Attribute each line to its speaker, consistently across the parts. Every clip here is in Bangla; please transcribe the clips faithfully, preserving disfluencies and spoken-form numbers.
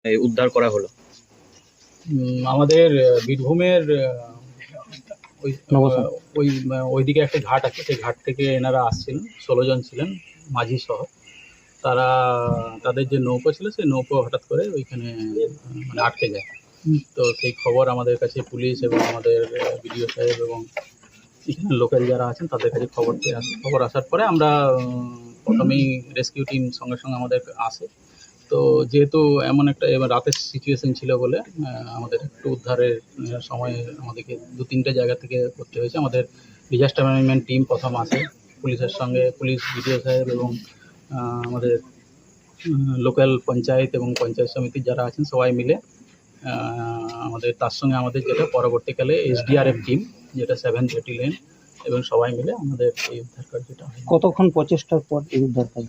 Speaker 1: উদ্ধার করা হলো?
Speaker 2: আমাদের বীরভূমের ওই ওই ওইদিকে একটা ঘাট আছে, সেই ঘাট থেকে এনারা আসছিলেন, ষোলো জন ছিলেন মাঝি সহ। তারা তাদের যে নৌকো ছিল সেই নৌকো হঠাৎ করে ওইখানে মানে আটকে যায়। তো সেই খবর আমাদের কাছে পুলিশ এবং আমাদের বিডিও সাহেব এবং এখানে লোকাল যারা আছেন তাদের কাছে খবর আসে। খবর আসার পরে আমরা প্রথমেই রেস্কিউ টিম সঙ্গে সঙ্গে আমাদের আসে। তো যেহেতু এমন একটা এবার রাতের সিচুয়েশন ছিল বলে আমাদের একটু উদ্ধারের সময় আমাদেরকে দু তিনটে জায়গা থেকে করতে হয়েছে। আমাদের ডিজাস্টার ম্যানেজমেন্ট টিম প্রথম আসে, পুলিশের সঙ্গে পুলিশ, বিডিও সাহেব এবং আমাদের লোকাল পঞ্চায়েত এবং পঞ্চায়েত সমিতির যারা আছেন সবাই মিলে আমাদের তার সঙ্গে আমাদের যেটা পরবর্তীকালে এসডিআরএফ টিম যেটা সেভেন ব্যাটালিয়ন এবং সবাই মিলে আমাদের এই উদ্ধার কার্যটা।
Speaker 3: কতক্ষণ প্রচেষ্টার পর এই উদ্ধার কাজ?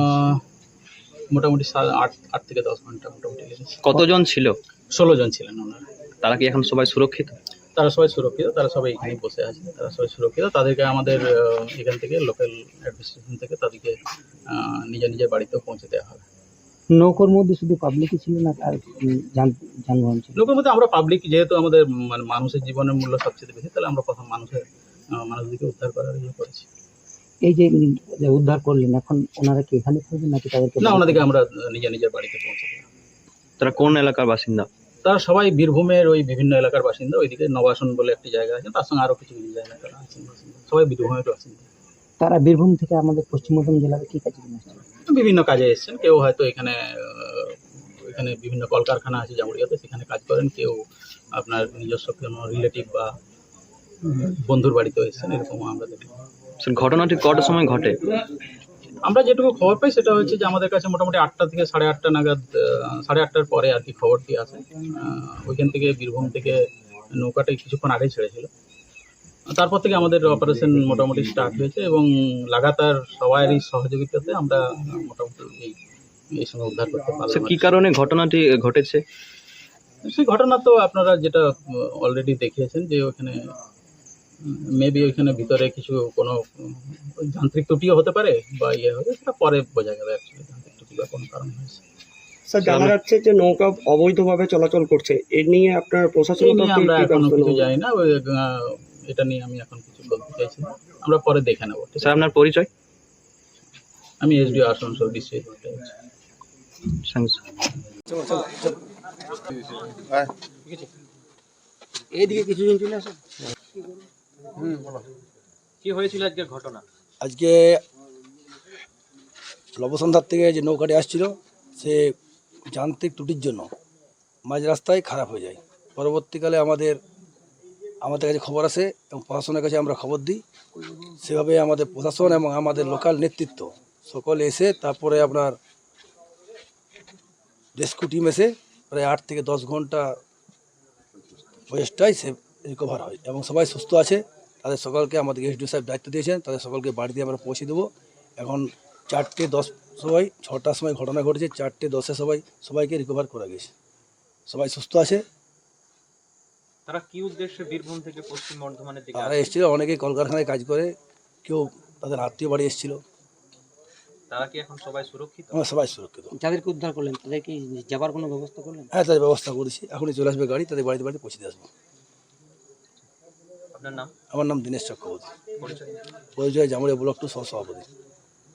Speaker 2: মোটামুটি আট আট থেকে দশ ঘন্টা মোটামুটি লেগেছে।
Speaker 1: কতজন ছিল?
Speaker 2: ষোলো জন ছিলেন ওনারা।
Speaker 1: তারা কি এখন সবাই সুরক্ষিত?
Speaker 2: তারা সবাই সুরক্ষিত, তারা সবাই এখানে বসে আছে, তারা সবাই সুরক্ষিত। তাদেরকে আমাদের এখান থেকে লোকাল অ্যাডমিনিস্ট্রেশন থেকে তাদেরকে নিজের নিজের বাড়িতেও পৌঁছে দেওয়া হবে।
Speaker 3: নৌকোর মধ্যে শুধু পাবলিকই ছিল না আর যানবাহন ছিল?
Speaker 2: নৌকোর মধ্যে আমরা পাবলিক, যেহেতু আমাদের মানে মানুষের জীবনের মূল্য সবচেয়ে বেশি, তাহলে আমরা প্রথম মানুষের মানুষদেরকে উদ্ধার করার ইয়ে করেছি।
Speaker 3: এই যে উদ্ধার করলেন, এখন ওনারা কি এখানে থাকবেন নাকি তাদেরকে?
Speaker 2: না, ওনাদেরকে আমরা নিজের নিজের বাড়িতে পৌঁছে দেব।
Speaker 1: তারা কোন এলাকার বাসিন্দা?
Speaker 2: তারা সবাই বীরভূমের ওই বিভিন্ন এলাকার বাসিন্দা। ওইদিকে নবাসন বলে একটি জায়গা আছে, তার সঙ্গে আরও কিছু কিছু জায়গা তারা আছেন বাসিন্দা, সবাই বীরভূমের বাসিন্দা।
Speaker 3: তারা বীরভূম থেকে আমাদের পশ্চিম বর্ধমান জেলার কি কাজে এসেছেন?
Speaker 2: বিভিন্ন কাজে এসেছেন। কেউ হয়তো এখানে এখানে বিভিন্ন কলকারখানা আছে জামুড়িয়াতে, সেখানে কাজ করেন। কেউ আপনার নিজস্ব কোনো রিলেটিভ বা বন্ধুর বাড়িতেও এসেছেন, এরকম আমরা দেখি।
Speaker 1: ঘটনাটি কটার সময় ঘটে?
Speaker 2: আমরা যেটুকু খবর পাই সেটা হচ্ছে যে আমাদের কাছে মোটামুটি আটটা থেকে সাড়ে আটটা নাগাদ, সাড়ে আটটার পরে আর কি খবরটি আসে। ওইখান থেকে বীরভূম থেকে নৌকাটা কিছুক্ষণ আগেই ছেড়েছিল। তারপর থেকে আমাদের অপারেশন মোটামুটি স্টার্ট হয়েছে এবং লাগাতার সবারই সহযোগিতাতে আমরা মোটামুটি এই এই সময় উদ্ধার করতে পারলাম।
Speaker 1: কি কারণে ঘটনাটি ঘটেছে?
Speaker 2: সেই ঘটনা তো আপনারা যেটা অলরেডি দেখিয়েছেন যে ওখানে মেবি ওইখানে ভিতরে কিছু কোনো যান্ত্রিক ত্রুটিও হতে পারে বা ইয়ে হবে, সেটা পরে বোঝা যাবে অ্যাকচুয়ালি যান্ত্রিক ত্রুটি বা কোনো কারণ হয়েছে।
Speaker 4: স্যার, জানা যাচ্ছে যে নৌকা অবৈধভাবে চলাচল করছে, এ নিয়ে আপনার প্রশাসন
Speaker 2: আমরা এখন কিছু জানি না, এটা নিয়ে আমি এখন কিছু বলতে চাইছি না, আমরা পরে দেখে নেবো।
Speaker 1: স্যার, আপনার পরিচয়?
Speaker 2: আমি এসডিও আসানসোল ডিস্ট্রিক্ট।
Speaker 3: এইদিকে কিছুজন চলে আসে।
Speaker 2: হুম, বলো কি হয়েছিল আজকে ঘটনা?
Speaker 5: আজকে লবসন্ধার থেকে যে নৌকাটি আসছিল সে যান্ত্রিক ত্রুটির জন্য মাঝ রাস্তায় খারাপ হয়ে যায়। পরবর্তীকালে আমাদের আমাদের কাছে খবর আসে এবং প্রশাসনের কাছে আমরা খবর দিই। সেভাবে আমাদের প্রশাসন এবং আমাদের লোকাল নেতৃত্ব সকলে এসে তারপরে আপনার রেস্কিউ টিম এসে প্রায় আট থেকে দশ ঘন্টা বয়সটাই সে রিকভার হয় এবং সবাই সুস্থ আছে। তাদের সকলকে আমাদের এসডিও সাহেব দায়িত্ব দিয়েছেন, তাদের সকলকে বাড়িতে আমরা পৌঁছে দেবো। এখন চারটে দশ সবাই ছটার সময় ঘটনা ঘটেছে, চারটে দশে সবাই সবাইকে রিকভার করা গেছে, সবাই সুস্থ আছে।
Speaker 1: তারা কি উদ্দেশ্যে বীরভূম থেকে পশ্চিম বর্ধমানের দিকে
Speaker 5: তারা এসেছিল, অনেকেই কলকারখানায় কাজ করে, কেউ তাদের আত্মীয় বাড়ি এসেছিল।
Speaker 1: তারা কি এখন সবাই সুরক্ষিত?
Speaker 5: আমরা সবাই সুরক্ষিত।
Speaker 3: যাদেরকে উদ্ধার করলেন তাদের কি যাবার কোনো ব্যবস্থা করলেন?
Speaker 5: হ্যাঁ, তাদের ব্যবস্থা করেছি, এখনই চলে আসবে গাড়ি, তাদের বাড়িতে বাড়িতে পৌঁছে দিয়ে আসবো।
Speaker 1: আপনার নাম?
Speaker 5: আমার নাম দীনেশ চক্রবর্তী, পরিচয় জামুড়িয়া ব্লক টু সহ সভাপতি।